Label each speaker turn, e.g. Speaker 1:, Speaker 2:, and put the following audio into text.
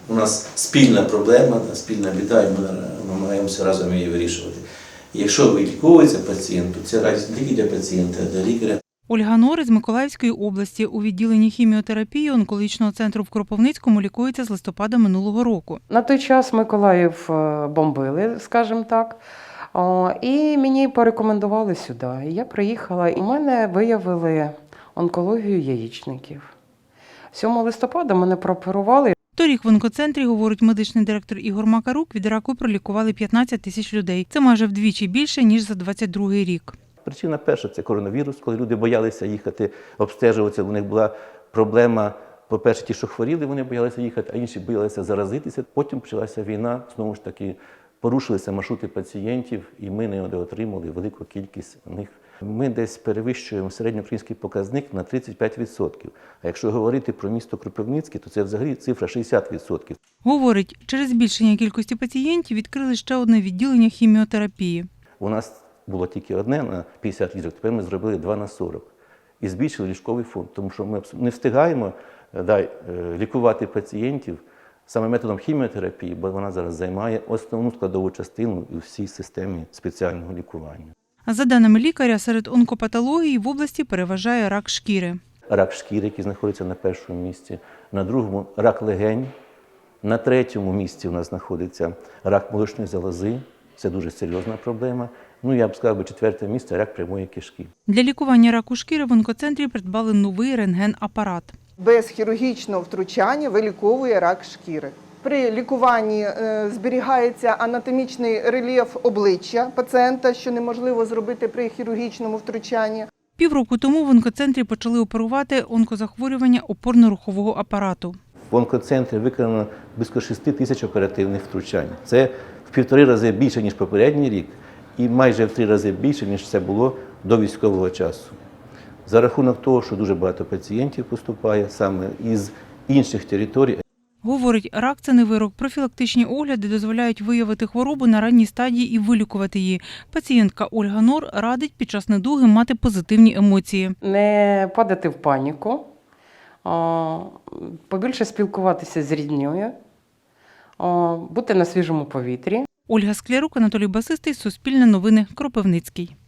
Speaker 1: У нас спільна проблема, спільна біда, і ми намагаємося разом її вирішувати. Якщо виліковується пацієнт, то це радість не тільки для пацієнта, а для лікаря.
Speaker 2: Ольга Нори з Миколаївської області. У відділенні хіміотерапії онкологічного центру в Кропивницькому лікується з листопада минулого року.
Speaker 3: На той час Миколаїв бомбили, скажімо так, і мені порекомендували сюди. І я приїхала, і в мене виявили онкологію яєчників. 7 листопада мене прооперували.
Speaker 2: Торік в онкоцентрі, говорить медичний директор Ігор Макарук, від раку пролікували 15 тисяч людей. Це майже вдвічі більше, ніж за 22-й рік.
Speaker 4: Причина перша – це коронавірус, коли люди боялися їхати обстежуватися. У них була проблема, по-перше, ті, що хворіли, вони боялися їхати, а інші боялися заразитися. Потім почалася війна, знову ж таки, порушилися маршрути пацієнтів, і ми не отримали велику кількість них. Ми десь перевищуємо середньоукраїнський показник на 35%. А якщо говорити про місто Кропивницьке, то це взагалі цифра 60%.
Speaker 2: Говорить, через збільшення кількості пацієнтів відкрили ще одне відділення хіміотерапії.
Speaker 4: У нас було тільки одне на 50 ліжок, тепер ми зробили 2 на 40. І збільшили ліжковий фонд, тому що ми не встигаємо лікувати пацієнтів саме методом хіміотерапії, бо вона зараз займає основну складову частину у всій системі спеціального лікування.
Speaker 2: За даними лікаря, серед онкопатологій в області переважає рак шкіри.
Speaker 4: Рак шкіри, який знаходиться на першому місці, на другому – рак легень, на третьому місці у нас знаходиться рак молочної залози, це дуже серйозна проблема. Ну, я б сказав, 4-те місце – рак прямої кишки.
Speaker 2: Для лікування раку шкіри в онкоцентрі придбали новий рентген-апарат.
Speaker 5: Без хірургічного втручання виліковує рак шкіри. При лікуванні зберігається анатомічний рельєф обличчя пацієнта, що неможливо зробити при хірургічному втручанні.
Speaker 2: Півроку тому в онкоцентрі почали оперувати онкозахворювання опорно-рухового апарату.
Speaker 4: В онкоцентрі виконано близько 6 тисяч оперативних втручань. Це в 1,5 рази більше, ніж попередній рік, і майже в 3 рази більше, ніж це було до військового часу. За рахунок того, що дуже багато пацієнтів поступає саме із інших територій.
Speaker 2: Говорить, рак – це не вирок. Профілактичні огляди дозволяють виявити хворобу на ранній стадії і вилікувати її. Пацієнтка Ольга Нор радить під час недуги мати позитивні емоції.
Speaker 3: Не падати в паніку, побільше спілкуватися з ріднею, бути на свіжому повітрі.
Speaker 2: Ольга Склярук, Анатолій Басистий, Суспільне новини, Кропивницький.